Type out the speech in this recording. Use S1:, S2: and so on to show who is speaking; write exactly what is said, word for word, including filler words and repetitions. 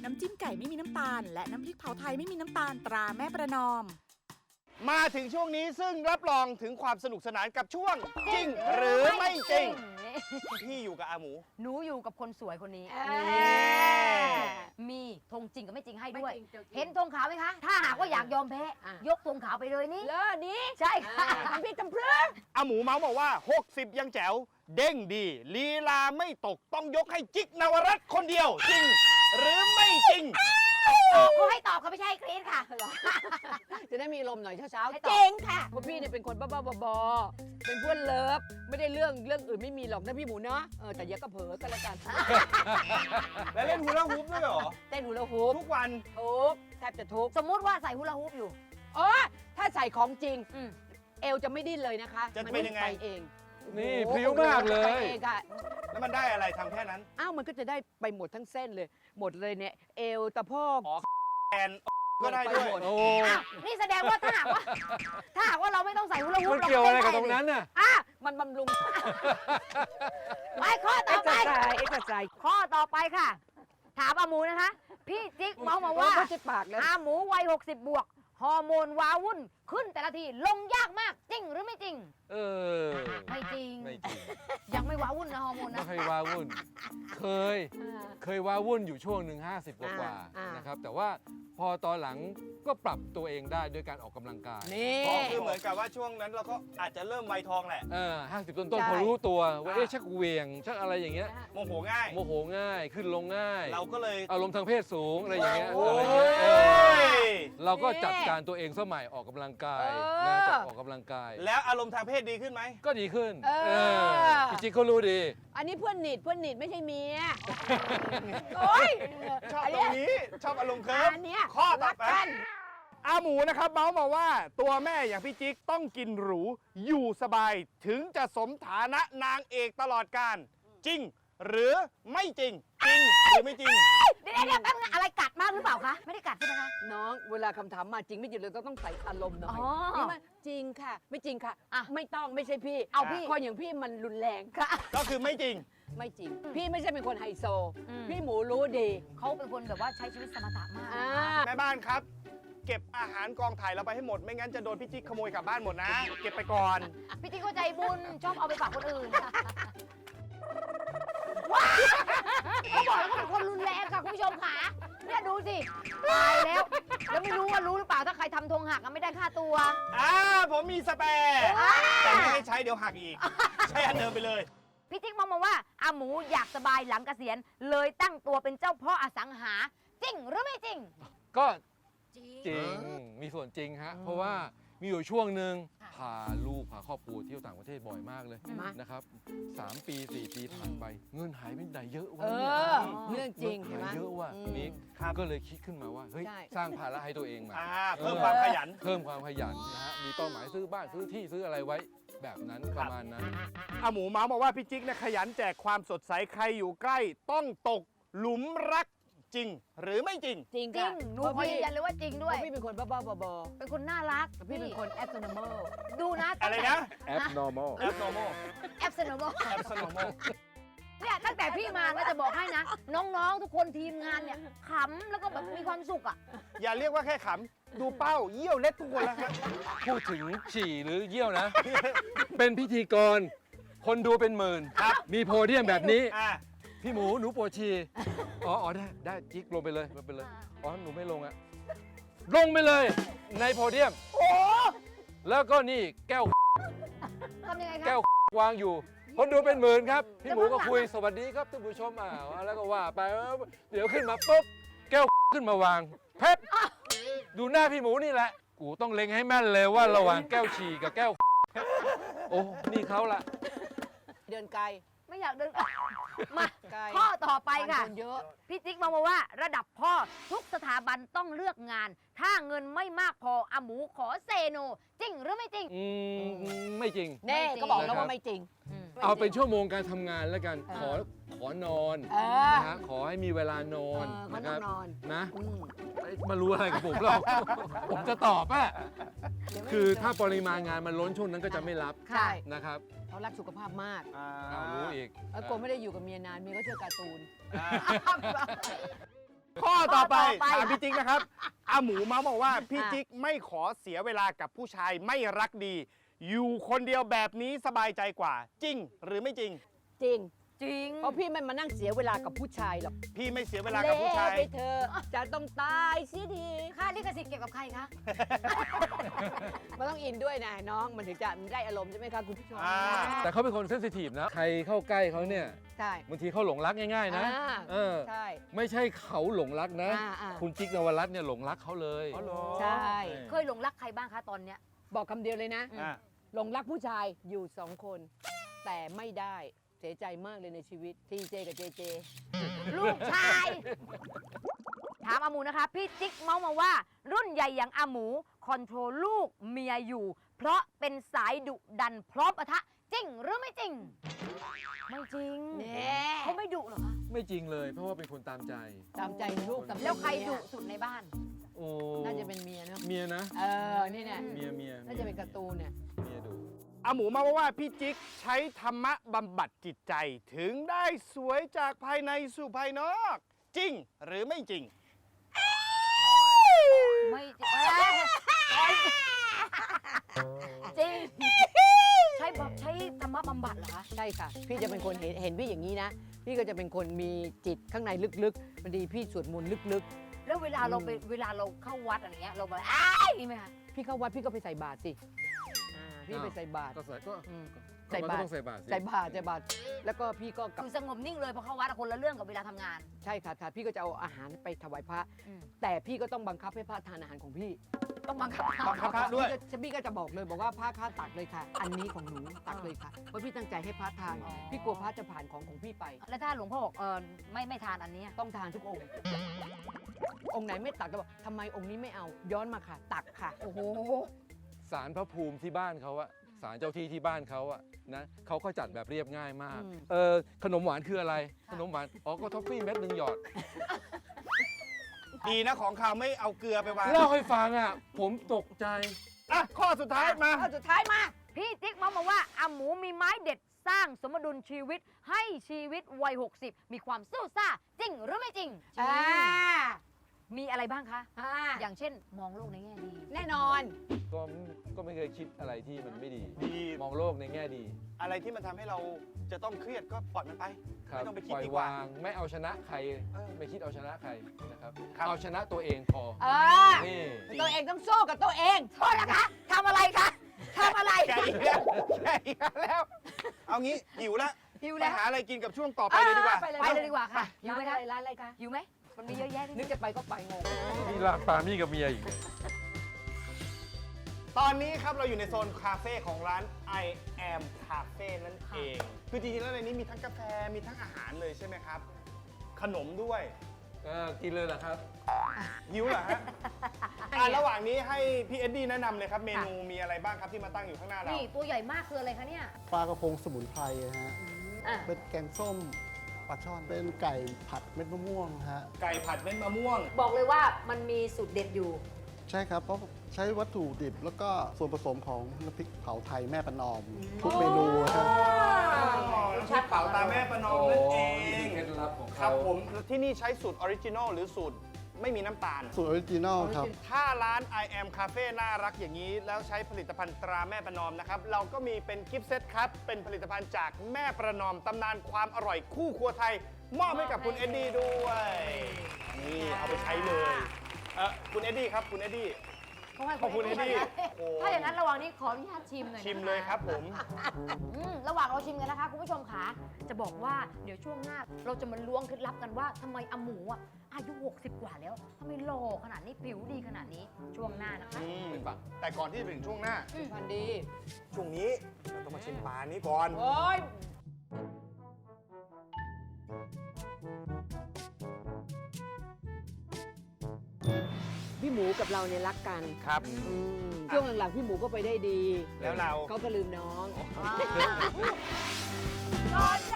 S1: น้ำจิ้มไก่ไม่มีน้ำตาลและน้ำพริกเผาไทยไม่มีน้ำตาลตราแม่ประนอม
S2: มาถึงช่วงนี้ซึ่งรับรองถึงความสนุกสนานกับช่วงจริงหรือไม่จริงพี่อยู่กับอาหมู
S3: หนูอยู่กับคนสวยคนนี้มีธงจริงกับไม่จริงให้ด้วย เห็นธงขาวไหมคะถ้าหากว่าอยากยอมแพ้ยกธงขาวไปเลยนี่เลอนี้ใช่ค่ะพี่จำเพลิง
S2: อาหมูเมาส์บอกว่าหกสิบยังแจ๋วเด้งดีลีลาไม่ตกต้องยกให้จิ๊กนวรัตน์คนเดียวจริงหรือไม่จริง
S3: เขาให้ตอบเขาไม่ใช่ครีสค่ะ
S4: จะได้มีลมหน่อยเช้า
S3: ๆเจ๋งค่ะ
S4: เพราะพี่เนี่ยเป็นคนบ้าๆบอๆเป็นเพื่อนเลิฟไม่ได้เรื่องเรื่องอื่นไม่มีหรอกนะพี่หมูเนาะเออแต่อย่าก็เผลอกันละกัน
S2: แล้วเล่นฮูลาฮูปด้วยเหรอ
S4: เต้นฮูลาฮูป
S2: ทุกวัน
S4: ทุกแทบจะทุก
S3: สมมุติว่าใส่ฮูลาฮูปอยู่
S4: อ๋อถ้าใส่ของจริงเอวจะไม่ดิ้นเลยนะคะ
S2: จะเป็นยังไง
S4: เอง
S5: นี่พริ้วมากเลย
S2: แล้วมันได้อะไรทำแค่นั้น
S4: อ้าวมันก็จะได้ไปหมดทั้งเส้นเลยหมดเลยเนี่ยเอวตะโพก
S2: แอนก็ได้ด้วย
S5: โอ้
S3: นี่แสดงว่าถ้าหากว่าถ้าหากว่าเราไม่ต้องใส่ฮูลาฮูป
S5: เกี่ยวอะไรกับตรงนั้นน่ะ
S4: อ่ะมันบำรุง
S3: ไปข้อต่อไป
S4: เอ็กซ์ไซส์
S3: ข้อต่อไปค่ะถามอาหมูนะคะพี่จิ๊กเมาส์มาว่าอาหมูวัยหกสิบบวกฮอร์โมนว้าวุ่นขึ้นแต่ละทีลงยากมากจริงหรือไม่จริง
S5: เออ
S3: ไม่จริง
S5: ไม่จริง
S3: ยังไม่ว้าวุ่นนะฮอร์โมนนะ
S5: ไม่เคยว้าวุ่นเคยเคยว้าวุ่นอยู่ช่วงหนึ่งห้าสิบกว่านะครับแต่ว่าพอตอนหลังก็ปรับตัวเองได้ด้วยการออกกำลังกาย
S2: เพราะคือเหมือนกับว่าช่วงนั้นเราก็อาจจะเริ่มวัยทองแหละ
S5: เออห้าสิบต้นๆพอรู้ตัวว่าเอ๊ะชักเวียงชักอะไรอย่างเงี้ย
S2: โมโหง่าย
S5: โมโหง่ายขึ้นลงง่าย
S2: เราก็เลย
S5: อารมณ์ทางเพศสูงอะไรอย่างเงี้ยเราก็จัดการตัวเองสมัยออกกำลังกายนะจัดออกกำลังกาย
S2: แล้วอารมณ์ทางเพศดีขึ้นไหม
S5: ก็ดีขึ้นจริงๆเขารู้ดี
S4: อันนี้เพื่อนหนีดเพื่อนหนีดไม่ใช่เมีย
S2: โอ้ยชอบตรงนี้ชอบอารมณ์เคิร์ฟข้อต่อไปอาหมูนะครับเมาส์มาว่าตัวแม่อย่างพี่จิ๊กต้องกินหรูอยู่สบายถึงจะสมฐานะนางเอกตลอดกาลจริงหรือไม่จริงจริงหรือไม่จริง
S3: เดี๋ยวเดี๋ยวแป๊บนึงอะไรกัดมากหรือเปล่าคะไม่ได้กัดใช่ไหมคะ
S4: น้องเวลาคำถามมาจริงไม่จริงเราต้องใส่อารมณ์หน่อยนี่มันจริงค่ะไม่จริงค่ะไม่ต้องไม่ใช่พี่
S3: เอาพี่
S4: คนอย่างพี่มันรุนแรงค่ะ
S2: ก็คือไม่จริง
S4: ไม่จริงพี่ไม่ใช่เป็นคนไฮโซพี่หมูรู้ดี
S3: เขาเป็นคนแบบว่าใช้ชีวิตสมถะมาก
S2: แม่บ้านครับเก็บอาหารกองถ่ายเราไปให้หมดไม่งั้นจะโดนพี่จิ๊กขโมยกลับบ้านหมดนะเก็บไปก่อน
S3: พี่จิ๊กก็ใจบุญชอบเอาไปฝากคนอื่นเขาบอกแล้วเขาเป็นคนรุนแรงค่ะคุณผู้ชมค่ะเนี่ยดูสิตายแล้วแล้วไม่รู้ว่ารู้หรือเปล่าถ้าใครทำธงหักไม่ได้ค่าตัว
S2: อ่าผมมีสเปร์แต่ไม่ให้ใช้เดี๋ยวหักอีกใช้อันเดิมไปเลย
S3: พี่จิ๊กมองมาว่าอาหมูอยากสบายหลังเกษียณเลยตั้งตัวเป็นเจ้าพ่ออสังหาจริงหรือไม่จริง
S5: ก็จริงมีส่วนจริงฮะเพราะว่ามีอยู่ช่วงหนึ่งพาลูกพาครอบครัวเที่ยวต่างประเทศบ่อยมากเลยนะครับสามปีสี่ปีผ่านไปเงินหายไปไหนเยอะวะ
S4: เรื่องจริงเห็นไหม
S5: เยอะว่ะนี่ก็เลยคิดขึ้นมาว่าเฮ้ยสร้างภาระให้ตัวเองมา
S2: เพิ่มความขยัน
S5: เพิ่มความขยันนะฮะมีเป้าหมายซื้อบ้านซื้อที่ซื้ออะไรไว้แบบนั้นประมาณนั้น
S2: อาหมูเมาส์บอกว่าพี่จิ๊กเนี่ยขยันแจกความสดใสใครอยู่ใกล้ต้องตกหลุมรักจริงหรือไม่จริง
S3: จริงจริงหนูขอยืนยันเลยว่าจริงด้วย
S4: พี่เป็นคนบ้าๆบอ
S3: ๆเป็นคนน่ารัก
S4: พี่เป็นคน abnormal
S3: ดูนะ
S2: อะไรนะ
S5: abnormal
S2: abnormal
S3: abnormal
S2: abnormal
S3: เนี่ยตั้งแต่พี่มานะจะบอกให้นะน้องๆทุกคนทีมงานเนี่ยขำแล้วก็แบบมีความสุขอ่ะ
S2: อย่าเรียกว่าแค่ขำดูเป้าเยี่ยวเล็ดทุกคนแล้วครับ
S5: พูดถึงฉี่หรือเยี่ยวนะเป็นพิธีกรคนดูเป็นหมื่นมีโพเดียมแบบนี้พี่หมูหนูปวดฉี่อ๋ออ๋อได้ได้จิ๊กลงไปเลยลงไปเลยอ๋อหนูไม่ลงอะลงไปเลยในโพเดียมโอ้แล้วก็นี่แก้ว
S3: ทำยังไงครับ
S5: แก้ววางอยู่คนดูเป็นหมื่นครับพี่หมูก็คุยสวัสดีครับท่านผู้ชมอ่าแล้วก็ว่าไปเดี๋ยวขึ้นมาปุ๊บแก้วขึ้นมาวางเพชรดูหน้าพี่หมูนี่แหละกูต้องเล็งให้แม่นเลยว่าระหว่างแก้วฉี่กับแก้วโอ้นี่เขาละ
S4: เดินไกล
S3: ไม่อยากเดินมาข้อต่อไปค่ะพี่จิ๊กมองมาว่าระดับพ่อทุกสถาบันต้องเลือกงานถ้าเงินไม่มากพออาหมูขอเซโนจริงหรือไม่จริง
S5: อืมไม่จริง
S4: แน่ก็บอกแล้วว่าไม่จริง
S5: เอาเป็นชั่วโมงการทำงานแล้วกันขอขอนอนนะฮะขอให้มีเวลานอนนะครับนะมารู้อะไรกับผมเราผมจะตอบอ่ะคือถ้าปริมาณงานมันล้นช่วงนั้นก็จะไม่รับนะครับ
S4: เขารักสุขภาพมาก
S5: เอารู้อีก
S4: แล้วโกไม่ได้อยู่กับเมียนานเมียก็เชื่อการ์ตูน
S2: ข้อต่อไป
S3: ข้อต่อไป
S2: ถามพี่จิ๊กนะครับอาหมูเมาส์บอกว่าพี่
S3: อ่ะ
S2: จิ๊กไม่ขอเสียเวลากับผู้ชายไม่รักดี อยู่คนเดียวแบบนี้สบายใจกว่า จริงหรือไม่จริง
S4: จริง
S3: จริง
S4: เพราะพี่ไม่มานั่งเสียเวลากับผู้ชายหรอก
S2: พี่ไม่เสียเวลากับผู้ชาย
S4: เละไปเธอะจะต้องตายเสียที
S3: ค่าลิขสิทธิ์เก็บกับใครคะ
S4: มันต้องอินด้วยนะน้องมันถึงจะได้อารมณ์ใช่ไหมคะคุณผู้ชม
S2: อ่า
S5: แต่เขาเป็นคนเซนซิทีฟนะ ใครเข้าใกล้เขาเนี่ย
S4: ใช่
S5: บางทีเขาหลงรักง่ายๆนะ
S4: อ่า
S5: เออ
S4: ใช่
S5: ไม่ใช่เขาหลงรักนะ
S4: อ่าอ่า
S5: คุณจิ๊กนวรัตน์เนี่ยหลงรักเขาเลย
S2: อ๋อเหรอ
S4: ใช่
S3: เคยหลงรักใครบ้างคะตอนเนี้ย
S4: บอกคำเดียวเลยนะ
S2: อ่ะ
S4: หลงรักผู้ชายอยู่สองคน แต่ไม่ได้เสียใจมากเลยในชีวิตทีเจกับเจเจ
S3: ลูกชาย ถามอาหมูนะคะ พี่จิ๊กเมาส์มาว่า รุ่นใหญ่อย่างอาหมู คอนโทรลลูกเมียอยู่ เพราะเป็นสายดุดันพร้อมปะทะ จริงหรือไม่จริง ไม่จริง
S4: แน่
S3: เขาไม่ดุเหรอคะ
S5: ไม่จริงเลย เพราะว่าเป็นคนตามใจ
S4: ตามใจลูกตามใจ
S3: แล้วใคร
S4: เมีย
S3: ดุสุดในบ้าน
S5: โอ้
S4: น่าจะเป็นเมียเนาะ
S5: เมียนะ
S4: เออนี่เนี่ย
S5: เมียเมีย
S4: น่าจะเป็นการ์ตูนเนี่ย
S5: เมียดุ
S2: อาหมูเมาส์บอกว่าพี่จิ๊กใช้ธรรมะบำบัดจิตใจ ถึงได้สวยจากภายในสู่ภายนอก จริงหรือไม่จริง
S3: ไม่จริงเอ้ยจริง ใช้แบบใช้ธรรมะบำบัดเหรอคะ
S4: ใช่ค่ะ พี่จะเป็นคนเห็นเห็นพี่อย่างนี้นะ พี่ก็จะเป็นคนมีจิตข้างในลึกๆบางทีพี่สวดมนต์ลึก
S3: แล้วเวลาเราไปเวลาเราเข้าวัดอะไรเงี้ยเราแบบอ้ายนี่ไหมคะ
S4: ๆ พี่เข้าวัดพี่ก็ไปใส่บาตรสิอ่าพี่ไปใส่บาตร
S5: ก็ใส่ก็
S4: อืม
S5: ก็
S4: ใส่บาตร
S5: ก็ต้องใส่บาตรสิ
S4: ใส่บาตรใส่บาตรแล้วก็พี่ก็กลับ
S3: คือสงบนิ่งเลยพอเข้าวัดอะคนละเรื่องกับเวลาทำงาน
S4: ใช่ค่ะค่ะพี่ก็จะเอาอาหารไปถวายพระ
S3: อืม
S4: แต่พี่ก็ต้องบังคับให้พระทานอาหารของพี่
S3: ต้องบังคับ
S2: บังคับ พระด้วย
S4: พี่ก็พี่ก็จะบอกเลยบอกว่าพระข้าตักเลยค่ะ อันนี้ของหนูตักเลยค่ะเพราะพี่ตั้งใจให้พระทาน พี่กลัวพระจะผ่านของของพี่ไป
S3: แล้วถ้าหลวงพ่อบอกเออไม่ไม่ทานอันเนี้ย
S4: ต้องทานทุกองค์ องค์ไหนไม่ตักก็บอกทำไมองค์นี้ไม่เอา ย้อนมาค่ะ ตักค่ะ
S3: โอ้โห
S5: ศาลพระภูมิที่บ้านเขาอะศาลเจ้าที่ที่บ้านเขาอะนะเขาก็จัดแบบเรียบง่ายมาก
S4: อืม
S5: เออขนมหวานคืออะไร ขนมหวาน อ๋อ ก็ท็อฟฟี่เม็ดหนึ่งหยอด
S2: ดีนะของข่าวไม่เอาเกลือไปวาง
S5: เล่าให้ฟังอะผมตกใจ
S2: อ่ะข้อสุดท้ายมา
S4: ข้อสุดท้ายมา
S3: พี่ติ๊กเมาส์มาว่าอาหมูมีไม้เด็ดสร้างสมดุลชีวิตให้ชีวิตวัย หกสิบ มีความสู้ซ่า จริงหรือไม่จริง
S4: อ่า
S3: มีอะไรบ้างคะ
S4: อ่า
S3: อย่างเช่น มองโลกในแง่ดี
S4: แน่นอน
S5: ก็ก็ไม่เคยคิดอะไรที่มันไม่ดี
S2: ดี
S5: มองโลกในแง่ดี
S2: อะไรที่มันทำให้เราจะต้องเครียดก็ปล่อยมันไป
S5: ครับ
S2: ไม่ต้องไปคิด
S5: ปล่อย
S2: ดีกว่า
S5: วาง ไม่เอาชนะใคร
S2: เออ
S5: ไม่คิดเอาชนะใครนะครับ
S2: ครับ
S5: เอาชนะตัวเองพอ
S4: เออ
S5: นี่
S4: ตัวเองต้องสู้กับตัวเอง
S3: โทษนะคะทำอะไรคะทำอะไร
S2: แกอีกแล้วแกอีกแล้ว เอางี้หิวแล้ว
S3: หิว
S2: ไป
S3: แล้ว
S2: หาอะไรกินกับช่วงต่อไปเลยดีกว่า
S4: ไปเลย
S3: ไปเลยดีกว่าค่ะหิว
S4: ร้าน
S3: ไหม
S4: อะ
S3: คะ
S4: ไรร้านอะไรคะ
S3: หิวไหมมันมีเยอะแยะ
S4: นึกจะไปก็ไปงง
S5: นี่ลากปามี่กับเมียอีกเนี่ย
S2: ตอนนี้ครับเราอยู่ในโซนคาเฟ่ของร้าน I am Cafe นั่นเอง คือจริงๆแล้วในนี้มีทั้งกาแฟ มีทั้งอาหารเลยใช่ไหมครับ ขนมด้วย
S5: เออกินเลยเหรอครับ
S2: หิวเหรอฮะ อ่ะระหว่างนี้ให้พี่เอ็ดดี้แนะนำเลยครับ เมนูมีอะไรบ้างครับที่มาตั้งอยู่ข้างหน้าเรา
S3: นี่ตัวใหญ่มากคืออะไรคะเนี่ย
S6: ปลากระพงสมุนไพรฮะ
S3: อ่ะ
S6: เป็นแกงส้มปลาช่อน เป็นไก่ผัดเม็ดมะม่วงฮะ
S2: ไก่ผัดเม็ดมะม่วง
S3: บอกเลยว่ามันมีสูตรเด็ดอยู่
S6: ใช่ครับ เพราะใช้วัตถุดิบแล้วก็ส่วนผสมของน้ำพริกเผาไทยแม่ประนอม ทุกเมนูฮะ
S2: น้ำพริกเผาตาแม่ประนอมนั่นเอง
S5: เคล็ดลับของ
S2: ครั
S5: เขา
S2: บผมที่นี่ใช้สูตรออริจินอลหรือสูตรไม่มีน้ำตาล
S6: สูตรออริจินอลครับ
S2: ถ้าร้าน I am Cafe น่ารักอย่างนี้ แล้วใช้ผลิตภัณฑ์ตราแม่ประนอมนะครับ เราก็มีเป็นกิฟต์เซตครับ เป็นผลิตภัณฑ์จากแม่ประนอม ตำนานความอร่อยคู่ครัวไทย มอบให้กับคุณเอ็ดดี้ด้วย นี่เอาไปใช้เลยเออคุณเอ็ดดี้ครับ คุณเอ็ดดี้
S3: เขาให้
S2: ขอบคุณเอ็ดดี้โอ้
S3: ถ้าอย่างนั้นระหว่างนี้ขออนุญาตชิมหน่อยนะคะ
S2: ชิมเลยครับผม
S3: อืมระหว่างเราชิมกันนะคะคุณผู้ชมขาจะบอกว่าเดี๋ยวช่วงหน้าเราจะมาล้วงเคล็ดลับกันว่าทำไมอาหมูอ่ะอายุ หกสิบ กว่าแล้วทำไมหล่อขนาดนี้ผิวดีขนาดนี้ช่วงหน้านะคะ
S2: อืม
S5: ไปฟัง
S2: แต่ก่อนที่จะถึงช่วงหน้า
S4: พันดี
S2: ช่วงนี้เราต้องมาชิมปลานี้ก่อน
S4: โอ้ยพี่หมูกับเราเนี่ยรักกัน
S2: ครับ
S4: อืมช่วงหลังๆพี่หมูก็ไปได้ดี
S2: แล้วเรา
S4: เขาก็ลืมน้อง
S3: ก่อน